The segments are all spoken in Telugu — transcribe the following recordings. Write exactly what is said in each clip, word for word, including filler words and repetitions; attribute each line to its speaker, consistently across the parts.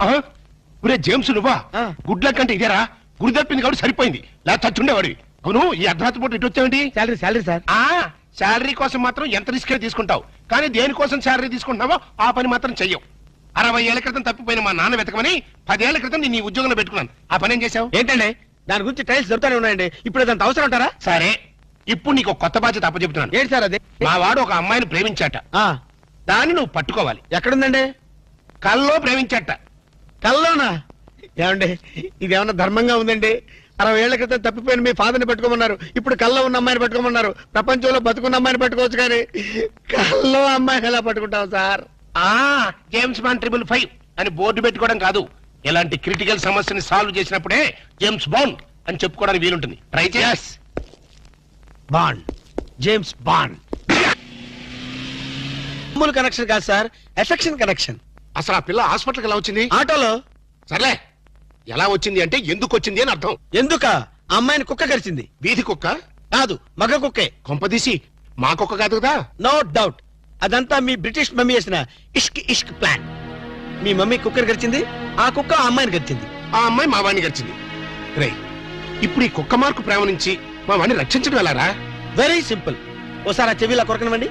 Speaker 1: ఒరే జేమ్స్ నువ్వా? గుడ్ లక్ అంటే ఇదేరా? గురి తప్పింది కాబట్టి సరిపోయింది, లేదా చచ్చుండేవాడివి. అవును, ఈ అర్ధరాత్రి పూట ఇటు వచ్చావేంటి?
Speaker 2: Salary salary sir.
Speaker 1: ఆ శాలరీ కోసం మాత్రం ఎంత రిస్క్ తీసుకుంటావు, కానీ దేనికోసం శాలరీ తీసుకుంటున్నావో ఆ పని మాత్రం చెయ్యవు. అరవై ఏళ్ల క్రితం తప్పిపోయిన మా నాన్న వెతకమని పదేళ్ల క్రితం నేను ఈ ఉద్యోగంలో పెట్టుకున్నాను. ఆ పని ఏం చేశావు?
Speaker 2: ఏంటండి దాని గురించి టైల్స్ దొరుకుతానే ఉన్నాయండి, ఇప్పుడు అదంత అవసరం అంటారా?
Speaker 1: సరే, ఇప్పుడు నీకు కొత్త బాధ్యత అప్పచెప్తున్నాను.
Speaker 2: ఏంటి సార్ అది?
Speaker 1: మా వాడు ఒక అమ్మాయిని ప్రేమించాట, దాన్ని నువ్వు పట్టుకోవాలి.
Speaker 2: ఎక్కడుందండి?
Speaker 1: కల్లో ప్రేమించాట.
Speaker 2: కల్లోనా? ఏమండి ఇదేమన్నా ధర్మంగా ఉందండి? అరవై ఏళ్ల క్రితం తప్పిపోయిన మీ ఫాదర్ని పెట్టుకోమన్నారు, ఇప్పుడు కల్లో ఉన్న అమ్మాయిని పెట్టుకోమన్నారు. ప్రపంచంలో బతుకున్న అమ్మాయిని పెట్టుకోవచ్చు, కానీ కల్లో అమ్మాయిని ఎలా పట్టుకుంటాం సార్?
Speaker 1: ఆ జేమ్స్ బాండ్ ట్రిపుల్ ఫైవ్ అని బోర్డు పెట్టుకోవడం కాదు, ఇలాంటి క్రిటికల్ సమస్యని సాల్వ్ చేసినప్పుడే జేమ్స్ బాండ్ అని చెప్పుకోవడానికి వీలుంటుంది. ట్రై చేస్.
Speaker 2: Bond, James Bond. మామూలు కనెక్షన్ కాదు సార్, ఎఫెక్షన్ కనెక్షన్.
Speaker 1: అసలు ఆ పిల్ల హాస్పిటల్కి ఎలా వచ్చింది?
Speaker 2: ఆటోలో.
Speaker 1: సర్లే, ఎలా వచ్చింది అంటే ఎందుకు వచ్చింది అని అర్థం.
Speaker 2: ఎందుక? అమ్మాయిని కుక్క కరిచింది.
Speaker 1: వీధి కుక్క
Speaker 2: కాదు, మగ కుక్కే.
Speaker 1: కొంపదీసి మా కుక్క కాదు కదా?
Speaker 2: నో డౌట్, అదంతా మీ బ్రిటిష్ మమ్మీ చేసిన ఇష్క్ ఇష్క్ ప్లాన్. మీ మమ్మీ కుక్కర్ గడిచింది, ఆ కుక్క ఆ అమ్మాయిని గడిచింది,
Speaker 1: ఆ అమ్మాయి మా వాడిని గడిచింది. రే, ఇప్పుడు ఈ కుక్క మార్కు ప్రేమ నుంచి మా వాడిని రక్షించడం ఎలారా?
Speaker 2: Very simple. ఓసారి ఆ చెవిలా కొరకనివ్వండి.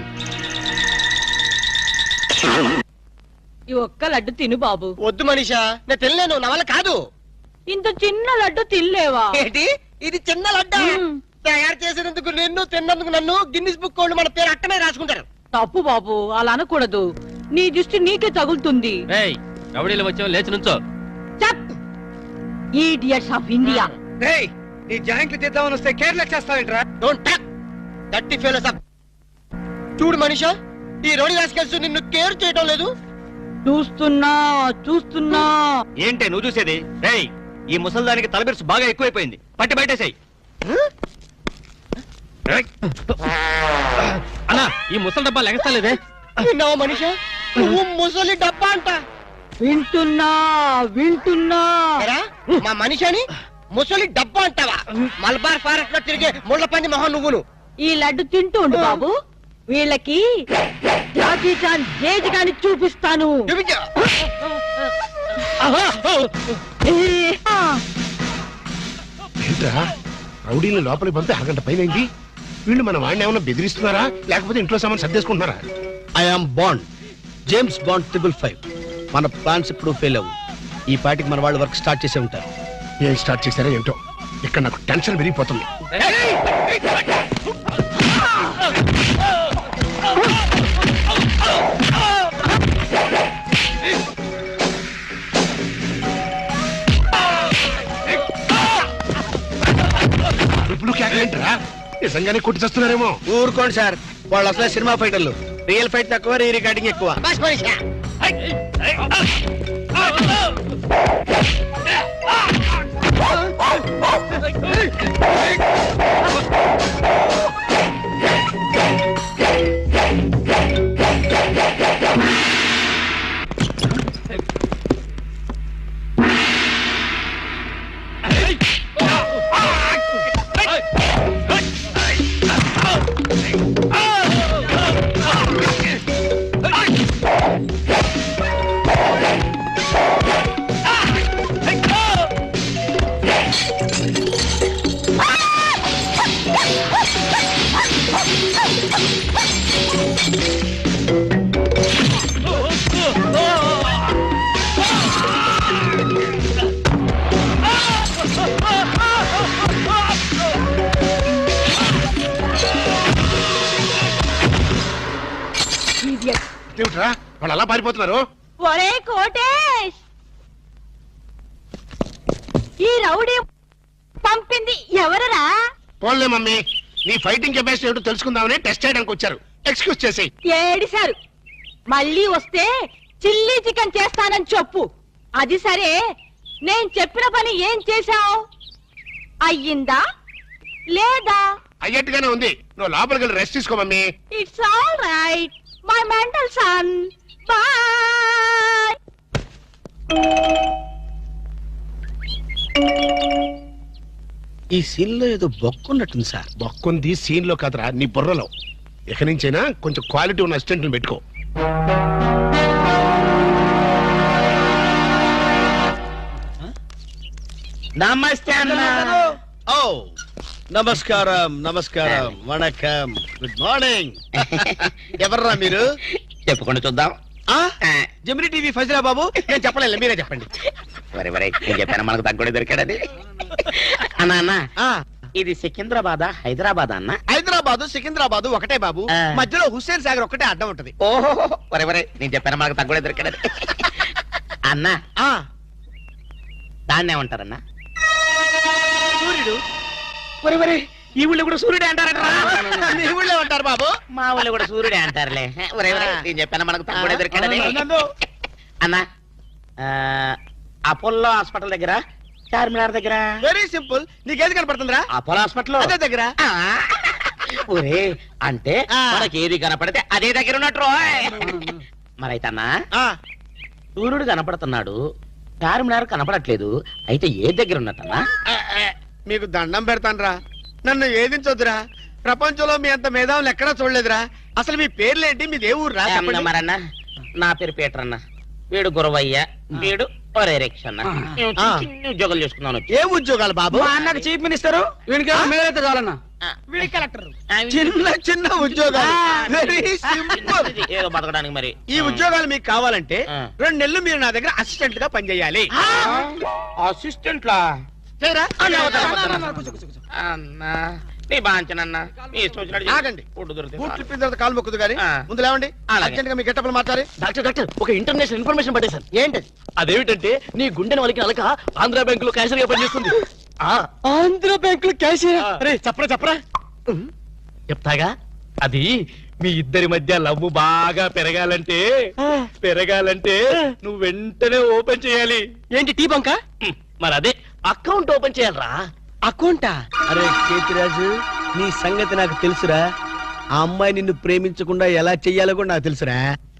Speaker 3: ఈ ఒక్క లడ్డు తిను బాబు.
Speaker 2: వద్దు మనీషా, నేను తినలేను, నా వల్ల కాదు.
Speaker 3: ఇంత చిన్న లడ్డు తినలేవా?
Speaker 2: ఏంటి ఇది చిన్న లడ్డు? తయారు చేసినందుకు నిన్ను, తిన్నందుకు నన్ను గిన్నిస్ బుక్ వాళ్ళు మన పేరు అట్టనే రాసుకుంటారు.
Speaker 3: తప్పు బాబు, అలా అనకూడదు. నీ దృష్టి నీకే తగులుతుంది.
Speaker 4: రౌడీలు వచ్చావు, లేచి నుంచో.
Speaker 3: Idiots of India.
Speaker 2: నీ జాయింట్లు తీద్దామని వస్తే కేర్లెస్ చేస్తావేంట్రా? డోంట్ టాక్ దట్టి ఫెలోస్ అప్. చూడు మనీషా, ఈ రోడి రాసుకెళ్తూ నిన్ను కేర్ చేయడం లేదు.
Speaker 3: చూస్తున్నా చూస్తున్నా.
Speaker 4: ఏంటే నువ్వు చూసేది? రేయ్, ఈ ముసల్దానికి తలబిరుసు బాగా ఎక్కువైపోయింది, పట్టి బయటేసాయి. అన్నా, ఈ ముసలి డబ్బా లెగస్తలేదే.
Speaker 2: విన్నావా మనీషా, నువ్వు ముసలి డబ్బా అంట.
Speaker 3: వింటున్నా వింటున్నా.
Speaker 2: మా మనిషిని ముసలి డబ్బా అంటావా? మల్బార్ ఫారెస్ట్ లో తిరిగే ముళ్ళ పంది మొహం నువ్వును.
Speaker 3: ఈ లడ్డు తింటూ ఉండు బాబు, వీళ్ళకి జాకీ చాన్ జేజ్ గాని చూపిస్తాను.
Speaker 1: ఏంట్రా, రౌడీని లోపలికి పంపి అరగంట పైన అయింది. వీళ్ళు మన వాడిని ఏమైనా బెదిరిస్తున్నారా, లేకపోతే ఇంట్లో సామాన్ సర్దేసుకుంటున్నారా?
Speaker 2: I am Bond, James Bond triple five. మన ప్లాన్స్ ఇప్పుడు ఫెయిల్ అవ్వు. ఈ పార్టీకి మన వాళ్ళు వర్క్ స్టార్ట్ చేసే ఉంటారు.
Speaker 1: ఏం స్టార్ట్ చేశారో ఏమిటో, ఇక్కడ నాకు టెన్షన్ పెరిగిపోతుంది. ఇప్పుడు కేకలేంట్రా, నిజంగానే కొట్టి చేస్తున్నారేమో.
Speaker 2: ఊరుకోండి సార్, వాళ్ళు అసలే సినిమా ఫైటర్లు. రియల్ ఫైట్ తక్కువ, రీ రికార్డింగ్ ఎక్కువ.
Speaker 1: వాళ్ళు అలా పారిపోతున్నారు.
Speaker 3: ఒరే కోటేష్, ఈ రౌడీ పంపింది ఎవరరా?
Speaker 1: పోన్లే మమ్మీ, నీ ఫైటింగ్ కెపాసిటీ ఏమిటో తెలుసుకుందామని టెస్ట్ చేయడానికి వచ్చారు. ఎక్స్క్యూజ్ చేసి.
Speaker 3: ఏడిశారు. మళ్ళీ వస్తే చిల్లీ చికెన్ చేస్తానని చెప్పు. అది సరే, నేను చెప్పిన పని ఏం చేశావు? అయ్యిందా లేదా?
Speaker 1: అయ్యట్టుగానే ఉంది. నువ్వు లోపలికి వెళ్ళి రెస్ట్ తీసుకో mummy.
Speaker 3: It's all right my mental son. Boy.
Speaker 2: ఈ సీన్ లో ఏదో బొక్కున్నట్టుంది సార్.
Speaker 1: బొక్కుంది సీన్ లో కదరా, నీ బుర్రలో. ఎక్కడి నుంచైనా కొంచెం క్వాలిటీ ఉన్న అసిస్టెంట్ పెట్టుకో.
Speaker 5: నమస్తే అన్న.
Speaker 2: ఓ నమస్కారం నమస్కారం వణకం గుడ్ మార్నింగ్. ఎవర్రా మీరు?
Speaker 5: చెప్పుకుంటూ చూద్దాం.
Speaker 2: ఆ జమిని టీవీ ఫజిరా బాబు. నేను చెప్పలేదు, మీరే చెప్పండి.
Speaker 5: వరే వరే నేను చెప్పాను మనకు తగ్గుడే దొరికాడని. అన్నా అన్న,
Speaker 2: ఆ
Speaker 5: ఇది సికింద్రాబాద్ హైదరాబాద్ అన్న?
Speaker 2: హైదరాబాదు సికింద్రాబాదు ఒకటే బాబు.
Speaker 5: ఆ.
Speaker 2: మధ్యలో హుస్సేన్ సాగర్ ఒకటే అడ్డం ఉంటది.
Speaker 5: ఓహో వరే వరే నేను చెప్పాను మనకు తగ్గుడే దొరికాడని. అన్న
Speaker 2: ఆ
Speaker 5: దాన్ని ఏమంటారన్నా?
Speaker 2: సూర్యుడు.
Speaker 5: వరే వరే ఈ ఊళ్ళో కూడా సూర్యుడే అంటారట.
Speaker 2: మీ ఊళ్ళో ఉంటారు బాబు.
Speaker 5: మా ఊళ్ళో కూడా సూర్యుడే అంటారులే. వరే వరే నేను చెప్పాను మనకు తగ్గుడే దొరికాడని. అన్న అపోలో హాస్పిటల్ దగ్గర, చార్మినార్ దగ్గర.
Speaker 2: Very simple. నీకేది కనపడుతుందిరా?
Speaker 5: అపోలో హాస్పిటల్
Speaker 2: అదే దగ్గర.
Speaker 5: ఒరే అంటే
Speaker 2: ఆ.
Speaker 5: మనకి ఏది కనపడితే అదే దగ్గర ఉన్నట్టు. మరైతే అన్నా
Speaker 2: ఆ
Speaker 5: సూర్యుడు కనపడుతున్నాడు, చార్మినార్ కనపడట్లేదు, అయితే ఏ దగ్గర ఉన్నట్టన్నా?
Speaker 2: ఆ, ఆ, మీకు దండం పెడతానురా, నన్ను ఏదించొద్దురా. ప్రపంచంలో మీ అంత మేధావులు ఎక్కడా చూడలేదురా. అసలు మీ పేర్లేంటి, మీది ఏ ఊరు రా? చెప్పండి.
Speaker 5: మరన్నా నా పేరు పీటర్ అన్న, వీడు గురవయ్య, వీడు ఒరే రిక్ష అన్న. మేము చిన్న చిన్న ఉద్యోగాలు చేసుకున్నాను.
Speaker 2: ఏ ఉద్యోగాలు బాబు?
Speaker 4: అన్నకు చీఫ్ మినిస్టర్ వీడికి మేలైతే చాలన్నా.
Speaker 2: చిన్న చిన్న ఉద్యోగాలు. Very simple.
Speaker 5: ఏదో బతకడానికి మరి
Speaker 2: ఈ ఉద్యోగాలు మీకు కావాలంటే
Speaker 5: ఆ.
Speaker 2: రెండు నెలలు మీరు నా దగ్గర అసిస్టెంట్ గా పనిచేయాలి.
Speaker 5: అసిస్టెంట్ లా
Speaker 2: చేయరా?
Speaker 5: అన్నా నీ బాంచనన్నా నీ ఇష్టం వచ్చినట్టు చేయి.
Speaker 2: ఆగండి.
Speaker 5: ఫుడ్ దొరికితే
Speaker 2: బూట్లు
Speaker 5: చాలు.
Speaker 2: ఇప్పిన తర్వాత కాలు మొక్కుదు కానీ
Speaker 5: ఆ.
Speaker 2: ముందు లేవండి.
Speaker 5: అలాగే.
Speaker 2: అర్జెంట్ గా మీ గెట్టపలు మార్చాలి.
Speaker 4: డాక్టర్ డాక్టర్ ఒక ఇంటర్నేషనల్ ఇన్ఫర్మేషన్ పట్టేశాను.
Speaker 2: ఏంటది?
Speaker 4: అదేమిటంటే నీ గుండెని వాళ్ళకి అలక ఆంధ్ర బ్యాంక్ లో క్యాషియర్ గా పనిచేస్తుంది. ఆ,
Speaker 2: ఆంధ్ర బ్యాంక్ లో క్యాషియర్.
Speaker 4: ఆ.
Speaker 2: అరే చెప్పరా చెప్పరా.
Speaker 4: చెప్తాగా. అది మీ ఇద్దరి మధ్య లవ్ బాగా పెరగాలంటే పెరగాలంటే నువ్వు వెంటనే ఓపెన్ చేయాలి.
Speaker 2: ఏంటి టీ బంక?
Speaker 4: హ్మ్, మరి అదే అకౌంట్ ఓపెన్ చేయాలరా.
Speaker 2: అకౌంటా? అరే కేతిరాజు, నీ సంగతి నాకు తెలుసురా. ఆ అమ్మాయి నిన్ను ప్రేమించకుండా ఎలా చెయ్యాలో కూడా నాకు తెలుసురా.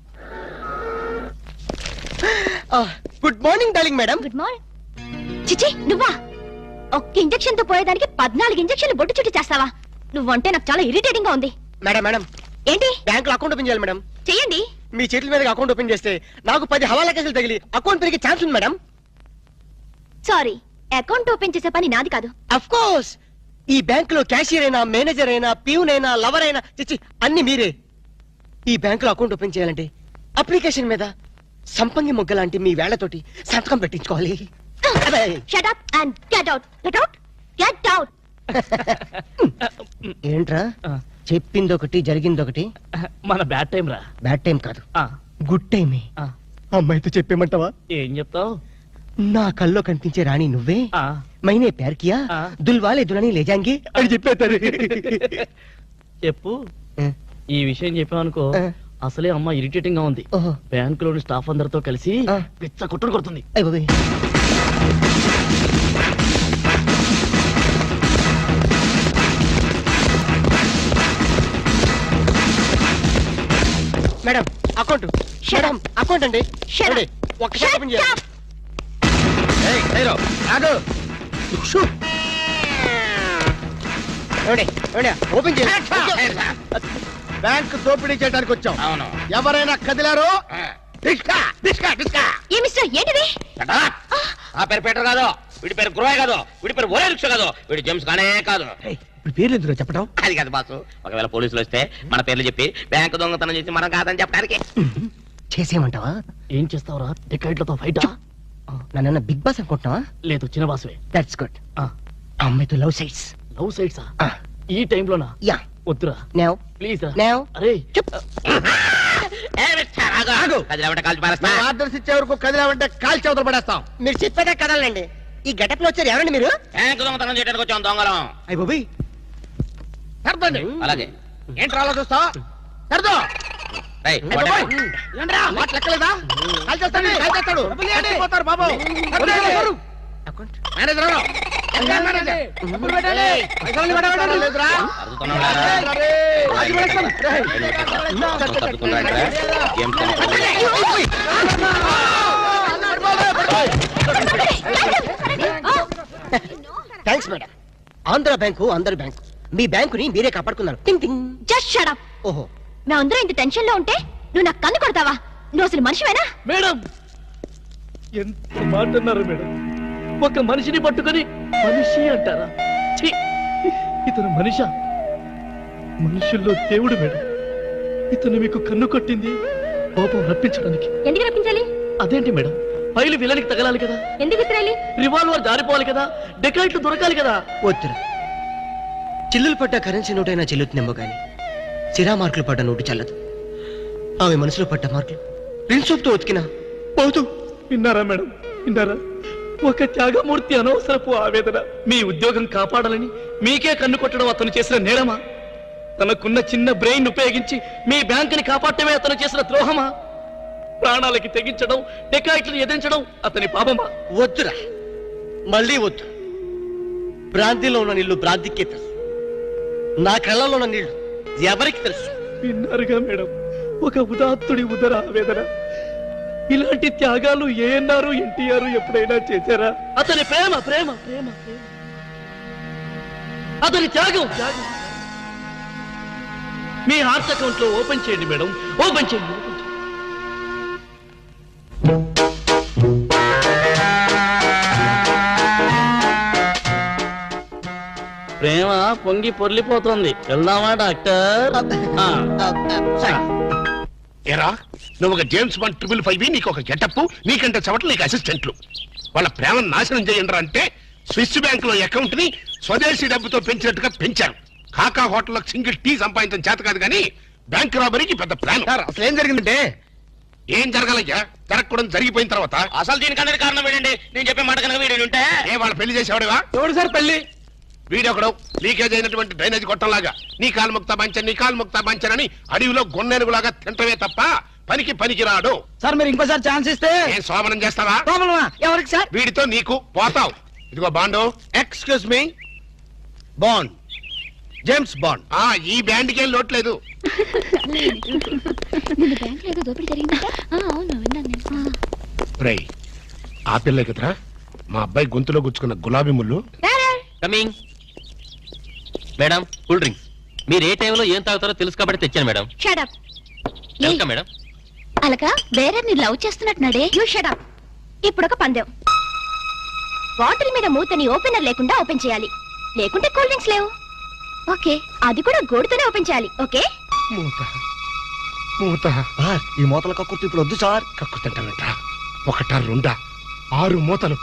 Speaker 2: Good morning darling madam.
Speaker 6: Good morning. చిచి నువ్వా? ఒక్క ఇంజెక్షన్ తో పోయేదానికి పద్నాలుగు ఇంజెక్షన్లు బొట్టు చుట్టి చేస్తావా? నువ్వంటే నాకు చాలా ఇరిటేటింగ్ గా ఉంది.
Speaker 2: మేడం మేడం
Speaker 6: ఏంటి?
Speaker 2: బ్యాంక్ లో అకౌంట్ ఓపెన్ చేయాలి మేడం.
Speaker 6: చెయ్యండి.
Speaker 2: మీ చేతుల మీద అకౌంట్ ఓపెన్ చేస్తే నాకు పది హవాలా కేసులు తగిలి అకౌంట్ పెరిగే ఛాన్స్ ఉంది మేడం.
Speaker 6: సారీ, అకౌంట్ ఓపెన్ చేసే పని నాది కాదు.
Speaker 2: అఫ్ కోర్స్ ఈ బ్యాంక్ లో క్యాషియర్ అయినా, మేనేజర్ అయినా, ప్యూన్ అయినా, లవర్ అయినా, చిచ్చి అన్ని మీరే. ఈ బ్యాంక్ లో అకౌంట్ ఓపెన్ చేయాలంటే అప్లికేషన్ మీద సంపంగి మొగ్గ లాంటి మీ వేళ్లతోటి సంతకం పెట్టించుకోవాలి. అదే.
Speaker 6: Shut up and get out. Get out. Get out.
Speaker 2: ఏంట్రా చెప్పింది ఒకటి జరిగింది ఒకటి.
Speaker 4: మన బ్యాడ్ టైం రా.
Speaker 2: బ్యాడ్ టైం కాదు,
Speaker 4: ఆ,
Speaker 2: గుడ్ టైమే.
Speaker 4: ఆ,
Speaker 2: అమ్మాయితో చెప్పేమంటావా?
Speaker 4: ఏం చెప్తావు?
Speaker 2: నా కల్లో కనిపించే రాణి నువ్వే,
Speaker 4: ఆ,
Speaker 2: మైనే ప్యార్ కియా,
Speaker 4: ఆ.
Speaker 2: దుల్వాలే దులని లేజాంగి అని చెప్పేస్తారు.
Speaker 4: చెప్పు. ఈ విషయం చెప్పావనుకో
Speaker 2: ఆ.
Speaker 4: అసలే అమ్మ ఇరిటేటింగ్ గా ఉంది.
Speaker 2: ఓహో.
Speaker 4: బ్యాంక్ లోని స్టాఫ్ అందరితో కలిసి
Speaker 2: ఆ.
Speaker 4: పిచ్చ కొట్టుడు కొడుతుంది.
Speaker 2: అయ్ బాబోయ్. Madam account. మేడం అకౌంట్ అండి.
Speaker 6: Shut up.
Speaker 2: ఏమండి, ఒక్కసారి
Speaker 6: Shut
Speaker 2: ఓపెన్ చేయాలి.
Speaker 6: up.
Speaker 2: ఏయ్, హీరో, ఆగు. షూ. ఏమండి, ఏమండి, ఓపెన్ చేయాలి. బ్యాంక్ దోపిడీ చేయడానికి వచ్చాం.
Speaker 5: అవును.
Speaker 2: ఎవరైనా కదిలారో డిస్కా డిస్కా డిస్కా.
Speaker 6: ఏ మిస్టర్ ఏంటిది?
Speaker 5: Shut up. ఆ పేరు పీటర్ కాదు, వీడి పేరు గురవయ్య కాదు, వీడి పేరు ఒరే రిక్ష కాదు, వీడి జేమ్స్ కానే కాదు.
Speaker 2: ఇప్పుడు పేర్లు ఎందుకు చెప్పడం?
Speaker 5: అది కాదు బాసు, ఒకవేళ పోలీసులు వస్తే మన పేర్లు చెప్పి బ్యాంకు దొంగతనం చేసి మనం కాదని చెప్పడానికి.
Speaker 2: చేసేయమంటావా?
Speaker 4: ఏం చేస్తావురా? టికెట్లతో ఫైటా?
Speaker 2: నన్న బిగ్ బాస్ అనుకుంటున్నావా?
Speaker 4: లేదు, చిన్న బాసువే.
Speaker 2: That's good. అమ్మాయితో లవ్ సైట్స్.
Speaker 4: లవ్ సైడ్సా? ఈ టైంలోనా?
Speaker 2: యా.
Speaker 4: వద్దురా
Speaker 2: నౌ
Speaker 4: ప్లీజ్ రా.
Speaker 2: నౌ
Speaker 4: అరే
Speaker 5: ఏ మిస్టర్, ఆగు.
Speaker 2: ఆగు.
Speaker 5: కదిలేమంటే కాల్చి పారేస్తా.
Speaker 2: ఆర్డర్స్ ఇచ్చే వరకు కదిలామంటే కాల్ చవతలు పడేస్తాం. మీరు చెప్పేదే కదలండి. ఈ గెటప్ లో వచ్చారు ఎవరండి మీరు?
Speaker 5: బ్యాంకు దొంగతనం చేయడానికి వచ్చాం దొంగలం.
Speaker 2: అయ్య బాబోయ్. సర్దండి.
Speaker 5: అలాగే.
Speaker 2: ఏంటి రాలో చూస్తా? సర్దో.
Speaker 5: రేయ్,
Speaker 2: అయ్య బాబోయ్. ఏంట్రా, మాట లెక్కలేదా? కాల్ చేస్తాడు, కాల్ చేస్తాడు. పోతారు బాబు. సర్దండి. మేనేజర్ ఎవరు? మేనేజర్. ఏయ్, పైసలు పెట్టండి. లేదురా?
Speaker 5: అడుగుతున్నావురా?
Speaker 2: అరే, అది పడేస్తాను. రేయ్.
Speaker 5: తప్పుతున్నాడురా. జేమ్స్ కనుక.
Speaker 2: Thanks madam. ఆంధ్ర బ్యాంకు అందరి బ్యాంకు. మీ బ్యాంకుని మీరే కాపాడుకున్నారు. టింగ్ టింగ్.
Speaker 6: Just shut up.
Speaker 2: ఓహో.
Speaker 6: మేమందరం ఇంత టెన్షన్ లో ఉంటే నువ్వు నాకు కన్ను కొడతావా? నువ్వు అసలు మనిషివేనా?
Speaker 4: మేడం ఎంత మాట అన్నారు మేడం.
Speaker 7: ఒక మనిషిని పట్టుకొని మనిషి అంటారా? ఛీ! ఇతను మనిషా? మనుషుల్లో దేవుడు మేడం. ఇతను మీకు కన్ను కొట్టింది కోపం రప్పించడానికి.
Speaker 6: ఎందుకు రప్పించాలి?
Speaker 7: అదేంటి మేడం, ఫైలు విలనికి తగలాలి కదా,
Speaker 6: ఎందుకు విసిరాలి?
Speaker 7: రివాల్వర్ జారిపోవాలి కదా, డెకాయిట్లు దొరకాలి కదా.
Speaker 8: వద్దురా, చిల్లులు పడ్డ కరెన్సీ నోటైనా చెల్లుతుందేమో కానీ సిరా మార్కులు పడ్డ నోటు చల్లదు. ఆమె మనసులో పడ్డ మార్కులు ప్రిన్సోప్తో ఉతికినా పోతూ.
Speaker 7: విన్నారా మేడం, విన్నారా? ఒక త్యాగమూర్తి అనవసరపు ఆవేదన. మీ ఉద్యోగం కాపాడాలని మీకే కన్ను కొట్టడం అతను చేసిన నేరమా? తనకున్న చిన్న బ్రెయిన్ ఉపయోగించి మీ బ్యాంకుని కాపాడటమే అతను చేసిన ద్రోహమా? ప్రాణాలకి తెగించడం, డెకాయిట్లను ఎదిరించడం అతని పాపమా?
Speaker 8: వద్దురా, మళ్ళీ వద్దు. భ్రాంతిలో ఉన్న నీళ్లు భ్రాంతికే తెలుసు, నా కళ్ళలో ఉన్న నీళ్లు ఎవరికి తెలుసు?
Speaker 7: విన్నారుగా మేడం, ఒక ఉదాత్తుడి ఉదర ఆవేదన. ఇలాంటి త్యాగాలు ఏఎన్ఆర్ ఎన్టీఆర్ ఎప్పుడైనా చేశారా? అతని ప్రేమ ప్రేమ ప్రేమ ప్రేమ అతని త్యాగం త్యాగం. మీ హార్ట్ అకౌంట్ లో ఓపెన్ చేయండి మేడం, ఓపెన్ చేయండి, ఓపెన్ చేయండి. ప్రేమ పొంగి పొర్లిపోతుంది. వెళ్దామా డాక్టర్? ఆ.
Speaker 1: ఎరా నువ్వు ఒక జేమ్స్ బాండ్ ట్రిపుల్ ఫైవ్, నీకు ఒక గెటప్, నీకంటే చవట్లు నీకు అసిస్టెంట్లు. వాళ్ళ ప్రేమను నాశనం చేయండి అంటే స్విస్ బ్యాంక్ లో అకౌంట్ ని స్వదేశీ డబ్బుతో పెంచినట్టుగా పెంచారు. కాకా హోటల్లో సింగిల్ టీ సంపాదించడం చేత కాదు కానీ బ్యాంక్ రాబరీకి పెద్ద ప్లాన్.
Speaker 2: సార్ అసలు ఏం జరిగిందంటే,
Speaker 1: ఏం జరగాలయ్యా? జరగకూడదు జరిగిపోయిన తర్వాత.
Speaker 5: అసలు దీనికన్నా కారణం ఏంటండి? నేను చెప్పే మాట కనుక వీడు ఉంటే
Speaker 1: ఏ వాళ్ళ పెళ్లి చేసేవాడుగా?
Speaker 2: ఎవడు సార్ పెళ్లి?
Speaker 1: వీడొకడు లీకేజ్ అయినటువంటి డ్రైనేజ్ గొట్టంలాగా నీ కాలు ముక్తా బంచన్ నీ కాలు ముక్తా బంచన్ అని అడవిలో గొన్నెనుగులాగా తింటవే తప్ప పనికి పనికి రాడు.
Speaker 2: సార్ మీరు ఇంకోసారి ఛాన్స్ ఇస్తే
Speaker 1: ఏం శోభనం చేస్తావా?
Speaker 2: ప్రాబ్లమా? ఎవరికి సార్?
Speaker 1: వీడితో నీకు పోతావు. ఇదిగో Bond.
Speaker 2: Excuse me, Bond, James Bond.
Speaker 1: ఆ ఈ బ్యాండ్కి ఏం లోట్లేదు.
Speaker 6: నిన్న బ్యాంక్ ఏదో దోపిడీ జరిగిందంట. ఆ, అవును విన్నాను నేను.
Speaker 1: రేయ్ ఆ పిల్ల కదరా మా అబ్బాయి గొంతులో గుచ్చుకున్న గులాబీ ముళ్ళు.
Speaker 4: కమింగ్. Madam cool drinks. మీరు ఏ టైంలో ఏం తాగుతారో తెలుసు కాబట్టి తెచ్చాను madam.
Speaker 6: Shut up.
Speaker 4: Welcome madam.
Speaker 6: Alaka వేరే నీ లవ్ చేస్తున్నట్టున్నాడే. You shut up. ఇప్పుడు ఒక పందెం. బాటిల్ మీద మూతని ఓపెనర్ లేకుండా ఓపెన్ చేయాలి, లేకుంటే కూల్ డ్రింక్స్ లేవు. ఓకే, అది కూడా గోడుతోనే ఓపెన్ చేయాలి. ఓకే?
Speaker 1: మూత మూత.
Speaker 8: ఈ మూతల కక్కుర్తి ఇప్పుడు వద్దు సార్.
Speaker 1: కక్కుతంటానంట. ఒకట రెండా ఆరు మూతలు.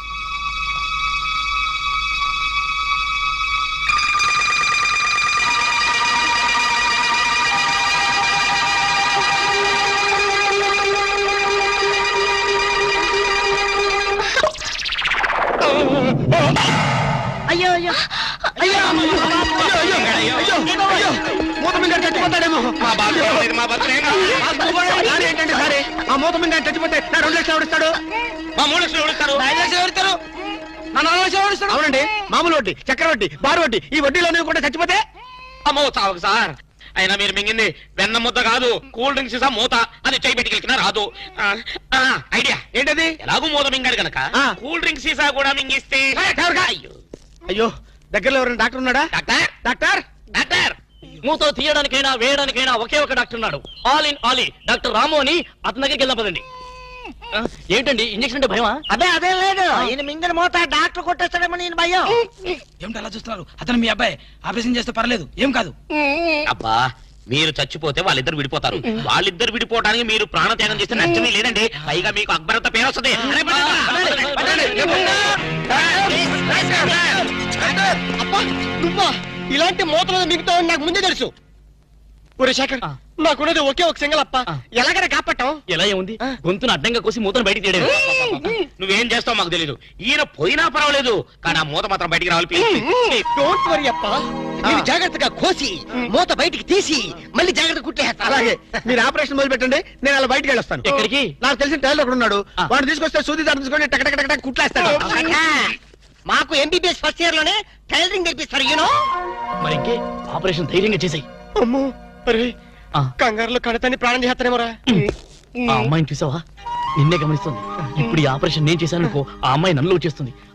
Speaker 2: అయ్యో అయ్యో అయ్యో మూత మీద చచ్చిపోతాడేమో.
Speaker 1: మా బాబు లేదు, మా బతులేనా?
Speaker 2: ఏంటంటే సరే ఆ మూత మీద చచ్చిపోతే నా రెండు లక్షలు ఎవరిస్తాడు?
Speaker 5: మా మూడు లక్షలు ఎవరిస్తారు?
Speaker 2: ఐదు లక్షలు ఎవరిస్తారు? నా నాలుగు లక్షలు ఎవరిస్తాడు? అవునండి, మామూలు వడ్డీ, చక్కెర వడ్డీ, బారు వడ్డీ, ఈ వడ్డీలో కూడా చచ్చిపోతే
Speaker 5: అమ్మో చావకు సార్. అయినా మీరు మింగింది వెన్న ముద్ద కాదు, కూల్ డ్రింక్స్ సీసా మూత. అది చేయి పెట్టుకెళ్ళినా రాదు. ఆ, ఆ, ఐడియా
Speaker 2: ఏంటది?
Speaker 5: ఎలాగూ మూత మింగాడు కనుక
Speaker 2: ఆ.
Speaker 5: కూల్ డ్రింక్ సీసా కూడా మింగిస్తే. అయ్యో
Speaker 2: అయ్యో దగ్గరలో ఎవరైనా డాక్టర్ ఉన్నాడా?
Speaker 5: డాక్టర్
Speaker 2: డాక్టర్
Speaker 5: డాక్టర్
Speaker 7: మూతో తీయడానికైనా వేయడానికైనా ఒకే ఒక డాక్టర్ ఉన్నాడు. All in all doctor Ramu అని అతని దగ్గరికి వెళ్దాం పదండి. ఆ, ఏంటండి ఇంజక్షన్ అంటే భయమా?
Speaker 2: అదే అదే లేదు, ఈయన మింగిన మూత డాక్టర్ కొట్టేస్తాడేమో నేను భయం.
Speaker 9: ఏమిటి అలా చూస్తున్నారు? అతను మీ అబ్బాయి, ఆపరేషన్ చేస్తే పర్లేదు, ఏం కాదు.
Speaker 5: అబ్బా మీరు చచ్చిపోతే వాళ్ళిద్దరు విడిపోతారు. వాళ్ళిద్దరు విడిపోవడానికి మీరు ప్రాణత్యాగం చేస్తే నష్టమే లేదండి. పైగా మీకు అక్బరత పేరు వస్తుంది. అరే, పదండి, పదండి, పదండి.
Speaker 2: అబ్బా నువ్వా? ఇలాంటి మూతలు మిగతావని నాకు ముందే తెలుసు. ఒరే శేఖర్, నాకున్నది ఒకే ఒక సింగల్ అప్ప, ఎలాగైనా కాపాటం.
Speaker 7: ఎలా ఏముంది, గొంతును అడ్డంగా కోసి మూతను బయటికి తీయడం.
Speaker 5: నువ్వేం చేస్తావు మాకు తెలీదు. ఈయన పోయినా పర్వాలేదు, కానీ ఆ మూత మాత్రం బయటికి రావాలి.
Speaker 2: డోంట్ వరీ అప్ప, నేను జాగ్రత్తగా కోసి మూత బయటికి తీసి మళ్ళీ జాగ్రత్త కుట్టేస్తా. అలాగే మీరు ఆపరేషన్ మొదలు పెట్టండి, నేను అలా బయటికి వెళ్ళొస్తాను.
Speaker 7: ఎక్కడికి?
Speaker 2: నాకు తెలిసిన టైలర్ ఒకడు ఉన్నాడు, వాడు తీసుకొస్తే సూది దారి తీసుకొని టక టక టక కుట్లేస్తాడు. మాకు ఎంబీబీఎస్ ఫస్ట్ ఇయర్ లోనే టైలరింగ్ నేర్పిస్తారు. యూనో
Speaker 7: మరి ఇంకే ఆపరేషన్ ధైర్యంగా చేసాయి.
Speaker 2: అమ్మో అరే, కంగారులో కడతాన్ని ప్రాణం చేస్తానేమోరా.
Speaker 7: ఆ అమ్మాయిని చూసావా? నిన్నే గమనిస్తుంది. ఇప్పుడు ఈ ఆపరేషన్ నేను చేశాను అనుకో, ఆ అమ్మాయి నన్ను చేస్తుంది.